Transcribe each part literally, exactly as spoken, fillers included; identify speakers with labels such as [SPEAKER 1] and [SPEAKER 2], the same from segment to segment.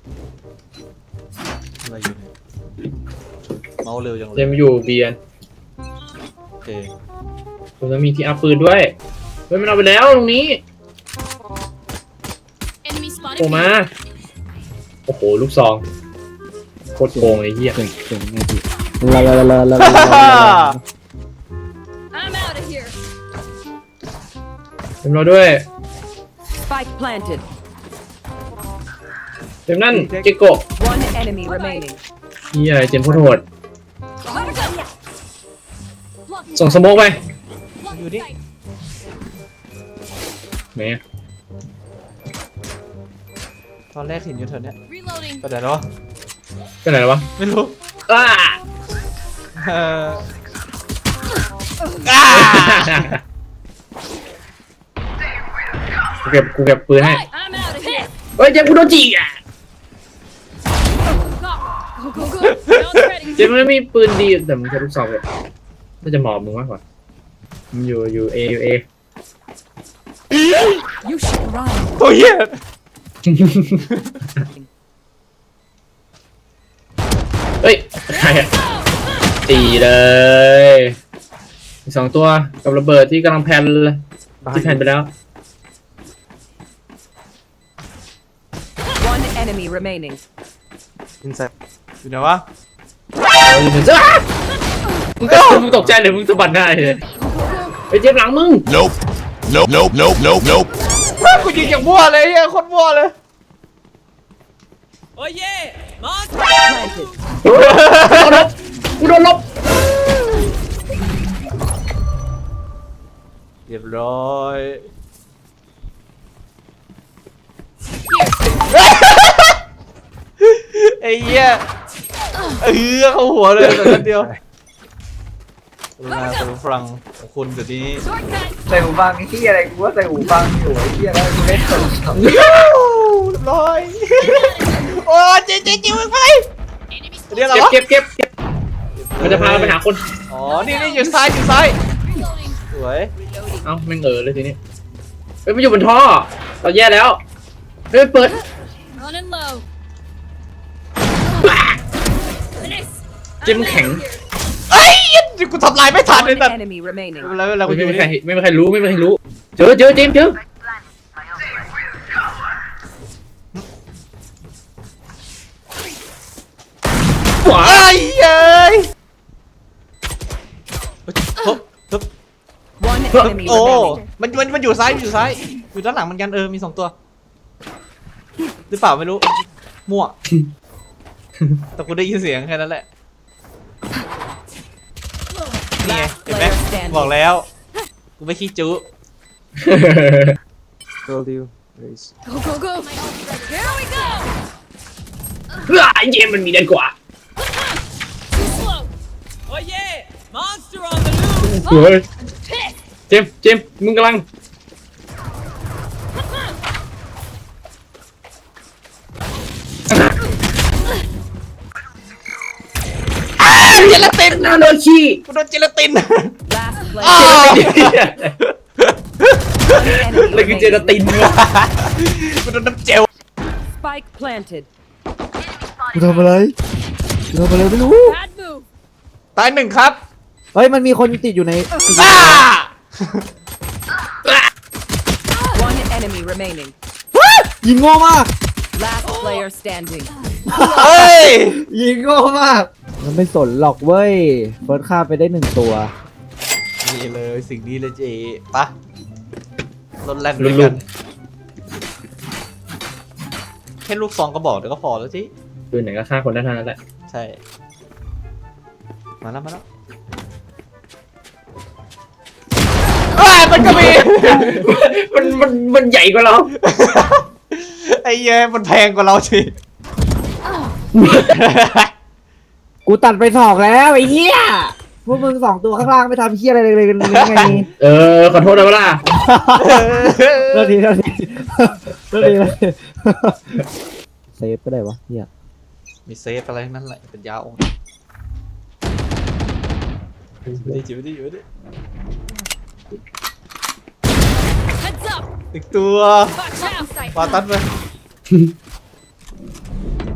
[SPEAKER 1] อะไรอยู่เนี่ยเมาเร็วจังเลย
[SPEAKER 2] เจมอยู่เบียน
[SPEAKER 1] โอเค
[SPEAKER 2] ผมจะมีที่อัพปืนด้วยเฮ้ยมันเอาไปแล้วตรงนี้
[SPEAKER 3] Enemy
[SPEAKER 2] โผล่
[SPEAKER 3] spotted.
[SPEAKER 2] มาโอ้โหลูกซองโคตรโกงไอ้เหี้ย
[SPEAKER 4] เก่งเก่งไงพี่ลาลาลาลาลาลา
[SPEAKER 3] I'm out of here.
[SPEAKER 2] เต็มเราด้วย
[SPEAKER 5] Spike planted.
[SPEAKER 2] เต็มนั่นเจโกะ
[SPEAKER 5] One enemy remaining.
[SPEAKER 2] เหี้ยเจมโคตรโหด
[SPEAKER 3] Block
[SPEAKER 2] ส่งสโมกไป
[SPEAKER 3] block
[SPEAKER 1] You did?
[SPEAKER 3] sight.
[SPEAKER 2] แหม
[SPEAKER 1] ตอนแรกเห็นอยู่เธอเนี่ย
[SPEAKER 3] Reloading.
[SPEAKER 1] ไปไหนแล้ววะ
[SPEAKER 2] ไปไหนแล้ววะ
[SPEAKER 1] ไม่รู้
[SPEAKER 2] อ้า
[SPEAKER 1] เอออ้า
[SPEAKER 2] กูเก็บกูเก็บปืนให้
[SPEAKER 3] Right, I'm out of here.
[SPEAKER 2] เฮ้ยเจมกูโดนจีอ่ะ
[SPEAKER 3] Go go go. Round's ready.
[SPEAKER 2] เจมมันไม่มีปืนดีแต่มึงใช้ลูกซองเลยน่าจะเหมาะมึงมากกว่ามึงอยู่อยู่เออยู่เอ
[SPEAKER 5] You should run.
[SPEAKER 1] ตัวเหี้ย
[SPEAKER 2] เฮ้ยใครอะตีเลยอีกสองตัวกับระเบิดที่กำลังแพนเลยที่แพนไปแล้ว
[SPEAKER 5] One enemy remaining.
[SPEAKER 1] อินไซด์อยู่ไหนวะ
[SPEAKER 2] เอาอยู่จ้ามึงก็มึงตกใจเลยมึงสะบัดได้เลยไอ้เจ็บหลังมึง
[SPEAKER 6] Nope. Nope. Nope. Nope. Nope. Nope.
[SPEAKER 1] กูยิงอย่างมั่วเลยเหี้ยโคตรมั่วเลย
[SPEAKER 5] Planted.
[SPEAKER 2] โดนลบกูโดนลบ
[SPEAKER 1] เรียบร้อยไอ้เหี้ยเออเข้าหัวเลยแต่นัดเดียวกรุณาตัวฟังของคุณเดี๋ยวนี้
[SPEAKER 3] Short cut.
[SPEAKER 7] ใส่หูฟังที่อะไรกูว่าใส่หูฟังอยู่ไอ้ที่อะไรกูเล่นโทรศัพท์
[SPEAKER 1] เรียบร้อยโอ้เจ๊เจ๊จิ้วไป
[SPEAKER 3] Enemy
[SPEAKER 1] เรียก
[SPEAKER 3] spotted.
[SPEAKER 1] อะไร
[SPEAKER 2] เก็บ
[SPEAKER 1] วะ
[SPEAKER 2] เก็บเก็บมันจะพาเราไปหาคน
[SPEAKER 1] อ๋อนี่นี่อยู่ซ้ายอยู่ซ้าย
[SPEAKER 3] Reloading.
[SPEAKER 1] สวย
[SPEAKER 2] เอ้าแม่งเออเลยทีนี้เฮ้ยมันอยู่บนท่อเราแย่แล้วเฮ้ยเปิด
[SPEAKER 3] Running low. Nice.
[SPEAKER 2] เจมแข็ง
[SPEAKER 1] เอ้ยกูทำลายไม่ทันเลย
[SPEAKER 5] One
[SPEAKER 1] แต่
[SPEAKER 5] enemy remaining.
[SPEAKER 1] เวลาเวลากู
[SPEAKER 2] ไม่
[SPEAKER 1] อยู่
[SPEAKER 2] มี
[SPEAKER 1] นี่
[SPEAKER 2] ใครไม่มีใครรู้ไม่มีใครรู้เจอเจอเจมเจอว้า
[SPEAKER 1] ไอ้เอ้ยฮึบฮึบ
[SPEAKER 5] One enemy
[SPEAKER 1] โอ้
[SPEAKER 5] remaining.
[SPEAKER 1] มันมันมันอยู่ซ้ายอยู่ซ้ายอยู่ด้านหลังเหมือนกันเออมีสองตัวหรือเปล่าไม่รู้มั่วแต่กูได้ยินเสียงแค่นั้นแหละนี่ไงเห็นไหมบอกแล้วกูไม่ขี้จุ
[SPEAKER 4] Told you. Please.
[SPEAKER 3] Go go go. My ult's ready. Here we go.
[SPEAKER 2] ไอ้เจมมันมีเด่นกว่า
[SPEAKER 3] Too slow.
[SPEAKER 8] Oh yeah! Monster on the loose!
[SPEAKER 2] เฮ้ย
[SPEAKER 3] Pissed.
[SPEAKER 2] เจมเจมมึงกำลังเจลาตินนาโนชิ
[SPEAKER 1] กูโดนเจลาติน
[SPEAKER 5] Last
[SPEAKER 1] อ้า
[SPEAKER 5] player.
[SPEAKER 1] ว
[SPEAKER 2] เลยคือเจลาตินวะ
[SPEAKER 1] กูโดนน้ำเจล
[SPEAKER 5] Spike planted.
[SPEAKER 4] กูทำอะไรกูทำอะไรไม่รู้
[SPEAKER 3] Bad move.
[SPEAKER 1] ตายหนึ่งครับ
[SPEAKER 4] เฮ้ยมันมีคนติดอยู่ในติดอยู่
[SPEAKER 1] อ้า
[SPEAKER 5] One enemy remaining.
[SPEAKER 4] ยิงโง่มาก
[SPEAKER 5] Last player standing.
[SPEAKER 1] เฮ้ย
[SPEAKER 4] ยิงโง่มาก มันไม่สนหรอกเว้ยเฟิร์สฆ่าไปได้หนึ่งตัว
[SPEAKER 1] นี่เลยสิ่งนี้เลยเจ๊ปะรถแล่นด้วยกันแค่ลูกซองก็บอกเดี๋ยวก็พอแล้วจิ
[SPEAKER 2] ปืนไหนก็ฆ่าคนได้เท่านั้นแหละ
[SPEAKER 1] ใช่ มาแล้วมาแล้วอ้าวมันก็มี
[SPEAKER 2] มันมันมันใหญ่กว่าเรา
[SPEAKER 1] ไอ้เย้ยมันแพงกว่าเราสิ
[SPEAKER 4] กูตัดไปสองแล้วไอ้เหี้ยพวกมึงสองตัวข้างล่างไม่ทำเหี้ยอะไรเลยกันยังไง
[SPEAKER 2] เออขอโทษนะเวลา
[SPEAKER 4] เลิกทีเลิกทีเลิกทีเลิกทีเซฟก็ได้วะเหี้ย
[SPEAKER 1] มีเซฟอะไรทั้งนั้นแหละเป็นยาองค์จิบดิจิบดิจิบดิ
[SPEAKER 3] Heads up.
[SPEAKER 1] อีกตัว
[SPEAKER 3] Watch out. Sight.
[SPEAKER 1] ปาตัดไป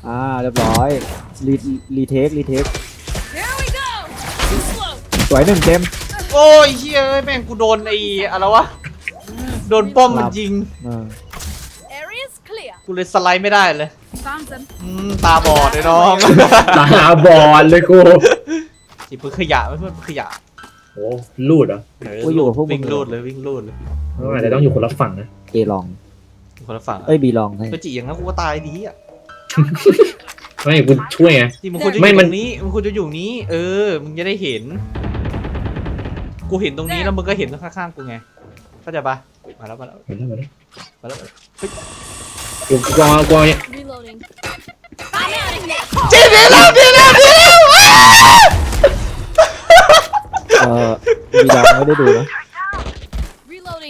[SPEAKER 4] อ่าเรียบร้อยรีรีเทครีเทค
[SPEAKER 3] Here we go. Too slow.
[SPEAKER 4] สวยหนึ่งเจม
[SPEAKER 1] โอ้ยเฮ้ยแม่งกูโดนไอ้อะไรวะโดนป้อมมันยิง
[SPEAKER 4] อ่า
[SPEAKER 3] Area's clear.
[SPEAKER 1] กูเลยสไลด์ไม่ได้เลย
[SPEAKER 3] Found them.
[SPEAKER 1] อืมตาบอดเลยน้อง
[SPEAKER 2] ตาบอดเลยกู
[SPEAKER 1] จีบปืนขยะไม่เพื่อนปืนขยะ
[SPEAKER 2] โอ้ลูดเหรอ
[SPEAKER 4] กูอยู่กับพวกมึ
[SPEAKER 1] วิ่
[SPEAKER 4] ง
[SPEAKER 1] งลูดเลยวิ่งลูดเลย
[SPEAKER 2] อาจจะต้องอยู่คนละฝั่งนะ
[SPEAKER 4] เอลอง
[SPEAKER 1] คนละฝั่ง
[SPEAKER 4] เอ้ยบีลองให้
[SPEAKER 1] ก็จีอย่างนั้นกูก็ตายดีอ่ะ
[SPEAKER 2] ไม่กูช่วยไง
[SPEAKER 1] จีมึงควรจะอ
[SPEAKER 2] ไม่
[SPEAKER 1] ยู่
[SPEAKER 2] มั
[SPEAKER 1] ต
[SPEAKER 2] น
[SPEAKER 1] รงนี้มึงควรจะอยู่นี้ เออมึงจะได้เห็น กูเห็นตรงนี้แล้วมึงก็เห็นข้างๆกูไงเข้าใจปะมาแล้วมาแล้ว
[SPEAKER 2] มาแล้วมาแล้ว
[SPEAKER 1] มาแล้ว
[SPEAKER 2] กูกลัวกลัวเนี่ย
[SPEAKER 3] Reloading. I'm out of here.
[SPEAKER 1] จีดีแล้วดีแล้วดีแล้ว
[SPEAKER 4] เออบีลองไม่ได้ดูนะ
[SPEAKER 3] Reloading.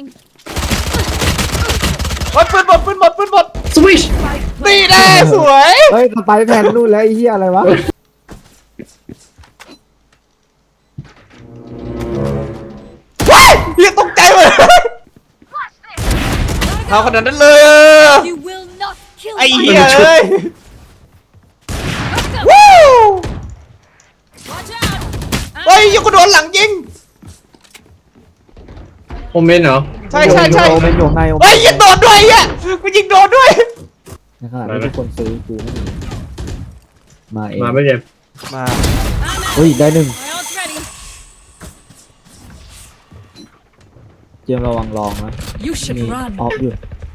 [SPEAKER 1] โอ้ยปืนหมดปืนหมดปืนหมด
[SPEAKER 2] สวิช
[SPEAKER 1] ตีแน่สวย
[SPEAKER 4] เฮ้ยสไปแพนนู่นแล้วไอ้เหี้ยอะไรวะ
[SPEAKER 1] ว้ายเฮียตกใจหมดเอาขนาดนั้นเลยอะ
[SPEAKER 3] You will not kill
[SPEAKER 1] ไอ้
[SPEAKER 3] my
[SPEAKER 1] เหี้ยเอ้ย
[SPEAKER 3] Let's go.
[SPEAKER 1] วู้
[SPEAKER 3] Watch out.
[SPEAKER 1] เฮ้ยยังกูโดนหลังยิง
[SPEAKER 2] โอเมนเหรอ
[SPEAKER 1] ใช่ใช่ใช่
[SPEAKER 4] โอเมนอยู่ข้างในโอเมน
[SPEAKER 1] เฮ้ยยิงโดนด้วยไอ่ะกูยิงโดนด้วย
[SPEAKER 4] ในขณะที่ทุกคนซื้อกูไม่มีมาเอง
[SPEAKER 2] มาไม่เจ็บ
[SPEAKER 1] มา
[SPEAKER 3] I'm out.
[SPEAKER 4] เฮ้ยได้หนึ่ง
[SPEAKER 3] My ult's ready.
[SPEAKER 4] เจมส์ระวังลองนะ
[SPEAKER 5] You
[SPEAKER 4] มี
[SPEAKER 5] should run.
[SPEAKER 4] ออฟอยู่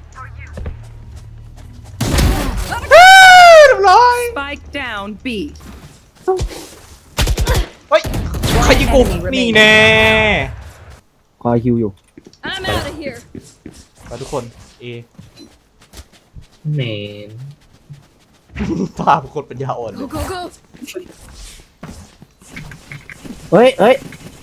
[SPEAKER 1] เรียบร้อย
[SPEAKER 5] Spike down B.
[SPEAKER 1] เฮ้ยใครยิงกูนี่แน่
[SPEAKER 4] คอยฮิวอยู่
[SPEAKER 3] I'm out of here.
[SPEAKER 1] ไปทุกคนเอ
[SPEAKER 2] แมน
[SPEAKER 1] ภาพคนปัญญาอ่อน
[SPEAKER 3] Go go go.
[SPEAKER 4] เฮ้ยเฮ้ย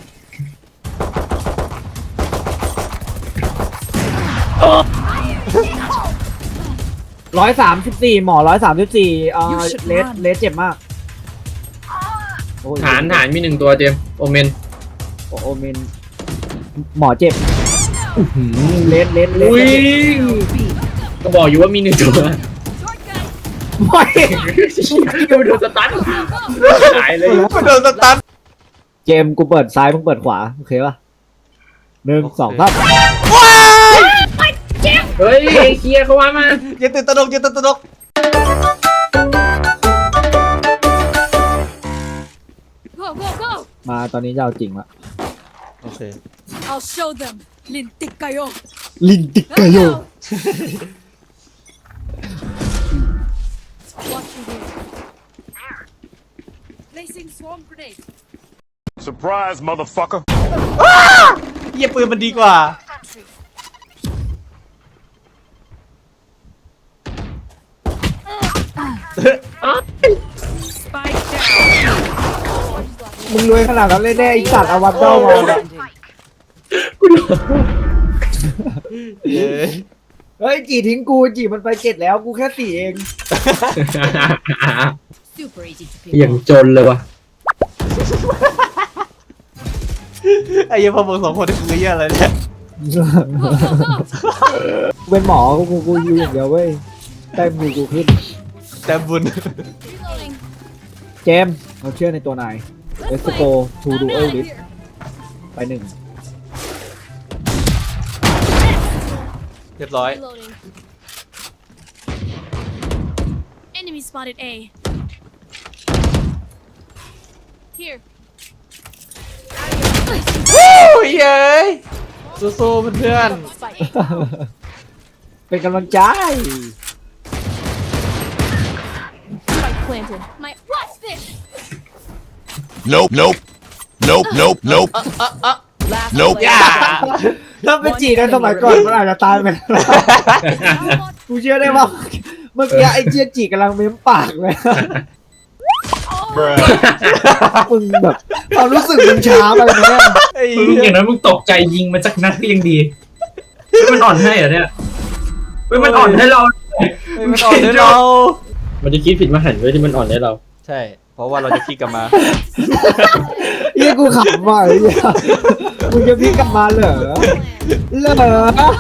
[SPEAKER 4] ร้อยสามสิบสี่หมอร้อยสามสิบสี่เอ่อ
[SPEAKER 5] You should
[SPEAKER 4] เลส
[SPEAKER 5] run
[SPEAKER 4] เลสเจ็บมากโอ้ย
[SPEAKER 2] ฐานฐานมีหนึ่งตัวเจมโอเมน
[SPEAKER 4] โอโอเมนหมอเจ็บเลสเลสเลส
[SPEAKER 2] อุ้ย
[SPEAKER 5] B.
[SPEAKER 2] ก็บอกอยู่ว่ามีหนึ่งตัว
[SPEAKER 3] Short gun.
[SPEAKER 4] ไม่
[SPEAKER 2] ก็ไปโดนสตันหายเลย
[SPEAKER 1] กูโดนสตัน
[SPEAKER 4] เจมส์กูเปิดซ้ายมึงเปิดขวาโอเคป่ะหนึ่ง
[SPEAKER 1] โอเค
[SPEAKER 4] สองสาม
[SPEAKER 1] ว้าย
[SPEAKER 2] เฮ้ยเคลียร์เขาว่ามา
[SPEAKER 1] อย่าตื่นตระหนกอย่าตื่นตระหนก
[SPEAKER 3] Go go go.
[SPEAKER 4] มาตอนนี้จะเอาจริงละ
[SPEAKER 1] โอเค
[SPEAKER 3] I'll show them. Linticayo.
[SPEAKER 4] ลินติกกาโย
[SPEAKER 3] Watch you here. Placing swarm grenade.
[SPEAKER 6] Surprise, motherfucker.
[SPEAKER 1] เหี้ยปืนมันดีกว่า
[SPEAKER 5] Spike down.
[SPEAKER 4] มึงรวยขนาดนั้นเลยแน่ไอสัตว์เอาวันเดอร์มา
[SPEAKER 5] Standing.
[SPEAKER 1] เย้
[SPEAKER 4] เฮ้ยจีทิ้งกูจีมันไปเจ็ดแล้วกูแค่สี่เอง
[SPEAKER 3] Super easy to
[SPEAKER 2] อย่างจนเลยวะ
[SPEAKER 1] ไอ้เหี้ยพอมึงสองคนนี่คือเหี้ยอะไรเนี่ย
[SPEAKER 3] Go go go.
[SPEAKER 4] เป็นหมอกูกูกูยูอย่างเดียวเว้ยแต้มกูกูขึ้น
[SPEAKER 1] แต่บุญ
[SPEAKER 3] Reloading.
[SPEAKER 4] เจมส์เราเชื่อในตัวนายเอสโกทูดู
[SPEAKER 3] I'm
[SPEAKER 4] เอล
[SPEAKER 3] out of
[SPEAKER 4] ลิส
[SPEAKER 3] here.
[SPEAKER 4] ไปหนึ่ง
[SPEAKER 1] เรียบร้อย
[SPEAKER 3] Reloading. Enemy spotted A. Here.
[SPEAKER 1] วู้เย้ยสู้ๆเพื่อน
[SPEAKER 3] Spike.
[SPEAKER 4] เป็นกำลังใจ
[SPEAKER 3] Spike planted. My watch this.
[SPEAKER 6] Nope, nope. Nope, nope, nope.
[SPEAKER 5] Last
[SPEAKER 6] Nope.
[SPEAKER 5] player standing.
[SPEAKER 4] ถ้าเป็นจีในสมัยก่อนมันอาจจะตายไปแล้วกูเชื่อได้ว่าเมื่อกี้ไอ้เจี๊ยจีกำลังเม้มปากเลย มึงแบบความรู้สึกมึงช้าไปไหมเนี่ย
[SPEAKER 1] ๆไอ้
[SPEAKER 2] มึง
[SPEAKER 1] เหี้
[SPEAKER 2] อย ย่างนั้นมึงตกใจยิงมันสักนัดก็ยังดีเฮ้ยมันอ่อนให้เหรอเนี่ยเฮ้ยมันอ่อนให้เรา
[SPEAKER 1] ไม่มันอ่อนให้เรา
[SPEAKER 2] มันจะคิดผิดมาหันไว้ที่มันอ่อนให้เรา
[SPEAKER 1] ใช่ เพราะว่าเราจะคิดกลับมา
[SPEAKER 4] เฮียกูขำว่ะไอ้เหี้ยมึงจะพลิกกลับมาเหรอเหรอ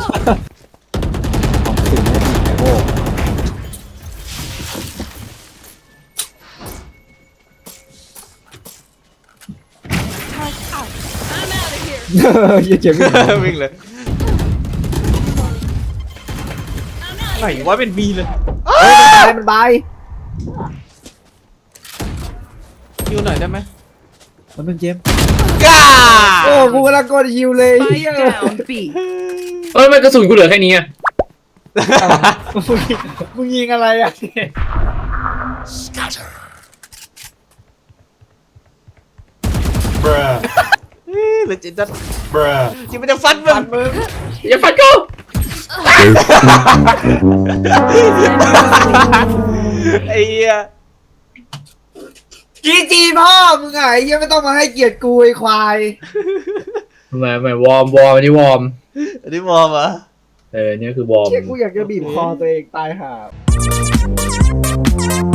[SPEAKER 4] ของสิ่งนี้โอ้เหี้ยเจมส์วิ่ง
[SPEAKER 1] วิ่งเลยไหนวะเป็นบีเลย
[SPEAKER 4] เฮ้ยมันบายมันบาย
[SPEAKER 1] คิวหน่อยได้ไหม
[SPEAKER 4] มันเป็นเจมส์
[SPEAKER 1] ก้า
[SPEAKER 4] โอ้กูกำลังกดฮิวเลยเหี้ย
[SPEAKER 5] Spike down B.
[SPEAKER 2] เอ้ยมันกระสุนกูเหลือแค่นี้อะ
[SPEAKER 4] มึงมึงยิงอะไรอ่ะ
[SPEAKER 6] Bruh.
[SPEAKER 1] หรือจิตจะ
[SPEAKER 6] Bruh.
[SPEAKER 1] จิตมันจะฟันมึง
[SPEAKER 4] มึง
[SPEAKER 2] อย่าฟันกู
[SPEAKER 1] ไอ้เหี้ย
[SPEAKER 4] จีจีพ่อมึงไงเหี้ยไม่ต้องมาให้เกียรติกูไอ้ควาย
[SPEAKER 2] ทำไมทำไมวอร์มวอร์มอันนี้วอร์ม
[SPEAKER 1] อันนี้มอมเหรอ
[SPEAKER 2] เออเนี่ยคือวอร์ม
[SPEAKER 4] เชี่ยกูอยากจะบีบคอตัวเองตายห่า